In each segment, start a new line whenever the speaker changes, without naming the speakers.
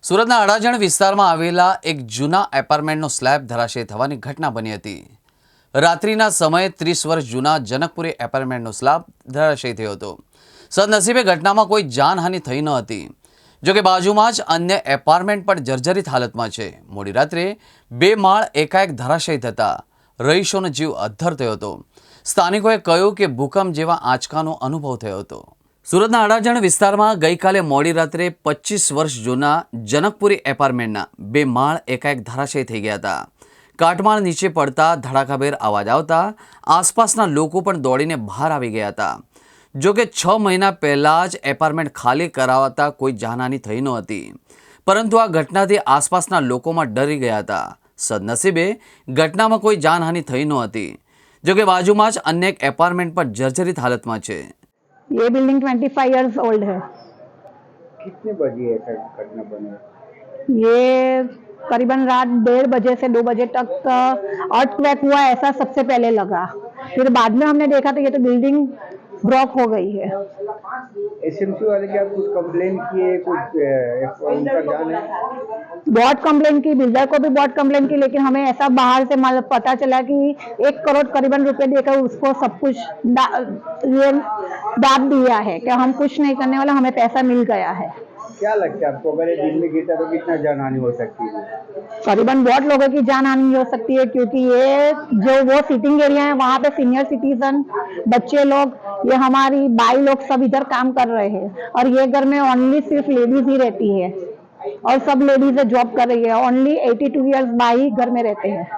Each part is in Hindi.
સુરતના અડાજણ વિસ્તારમાં આવેલા એક જૂના એપાર્ટમેન્ટનો સ્લેબ ધરાશયી થવાની ઘટના બની હતી। રાત્રિના સમયે 30 વર્ષ જૂના જનકપુરી એપાર્ટમેન્ટનો સ્લેબ ધરાશયી થયો હતો। સદનસીબે ઘટનામાં કોઈ જાનહાનિ થઈ ન હતી। જો કે બાજુમાં જ अन्य એપાર્ટમેન્ટ પણ જર્જરિત હાલતમાં છે। મોડી રાત્રે 2 માળ એકાએક ધરાશયી થતા રહીશોનો જીવ અદ્ધર થયો હતો। સ્થાનિકોએ કહ્યું કે ભૂકંપ જેવા આંચકાનો અનુભવ થયો હતો। સુરતના અડાજણ વિસ્તારમાં ગઈકાલે મોડી રાત્રે 25 વર્ષ જૂના જનકપુરી એપાર્ટમેન્ટના 2 માળ એકાએક ધરાશયી થઈ ગયા હતા। કાટમાળ નીચે પડતા ધડાકાભેર અવાજ આવતા આસપાસના લોકો પણ દોડીને બહાર આવી ગયા હતા। જો કે 6 મહિના પહેલા જ એપાર્ટમેન્ટ ખાલી કરાવતા કોઈ જાનહાનિ થઈ નહોતી, પરંતુ આ ઘટનાથી આસપાસના લોકોમાં ડરી ગયા હતા। સદનસીબે ઘટનામાં કોઈ જાનહાનિ થઈ નહોતી। જો કે બાજુમાં જ અન્ય એક એપાર્ટમેન્ટ પણ જર્જરિત હાલતમાં છે।
ये बिल्डिंग 25 इयर्स ओल्ड है।
कितने बजे ऐसा घटना बना?
ये करीबन रात 1:30 बजे से 2 बजे तक अर्थक्वेक हुआ ऐसा सबसे पहले लगा। फिर बाद में हमने देखा तो ये तो बिल्डिंग ब्लॉक हो गई है।
एसएमसी वाले क्या कुछ कंप्लेन किए, कुछ उनका जान है?
बहुत कंप्लेन की, बिल्डर को भी बहुत कंप्लेन की, लेकिन हमें ऐसा बाहर से पता चला कि 1 करोड़ करीबन रुपए देकर उसको सब कुछ ये दाब दिया है कि हम कुछ नहीं करने वाला, हमें पैसा मिल गया है।
क्या लगता है आपको, अगर ये दिन में गिरता तो कितना जान हानि हो सकती है?
करीबन बहुत लोगों की जान हानि हो सकती है, क्योंकि ये जो वो सीटिंग एरिया है वहाँ पे सीनियर सिटीजन, बच्चे लोग, ये हमारी बाई लोग सब इधर काम कर रहे हैं, और ये घर में ओनली सिर्फ लेडीज ही रहती है और सब लेडीज जॉब कर रही है। ओनली 82 इयर्स बाई घर में रहते हैं।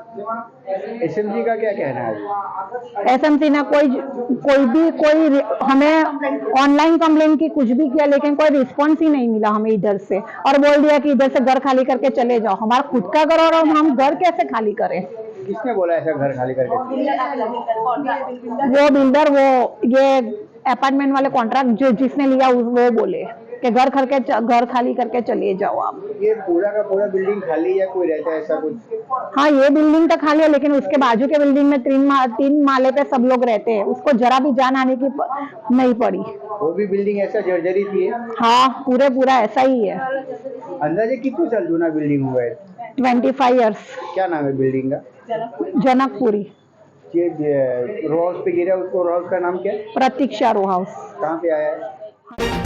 एसएमसी का क्या कहना है?
एसएमसी ने कोई हमें ऑनलाइन कंप्लेन की, कुछ भी किया, लेकिन कोई रिस्पॉन्स ही नहीं मिला हमें इधर से, और बोल दिया कि इधर से घर खाली करके चले जाओ। हमारा खुद का घर और हम घर कैसे खाली करें?
किसने बोला ऐसा घर खाली करके?
वो बिल्डर, वो ये अपार्टमेंट वाले कॉन्ट्रैक्ट जिसने लिया वो बोले कि घर खाली करके चले जाओ आप।
ये पूरा का पूरा बिल्डिंग खाली है, कोई रहता है ऐसा कुछ?
हाँ, ये बिल्डिंग तो खाली है, लेकिन उसके बाजू के बिल्डिंग में 3 माले पे सब लोग रहते हैं। उसको जरा भी जान आने की नहीं पड़ी।
वो भी बिल्डिंग ऐसा जर्जरित ही है?
हाँ, पूरा ऐसा ही है।
अंदाजे कितने साल जूना बिल्डिंग हुआ है?
25 इयर्स।
क्या नाम है बिल्डिंग का?
जनकपुरी।
ये रो हाउस पे गिरा, उसको रो हाउस का नाम क्या है?
Pratiksha row house.
कहाँ पे आया है?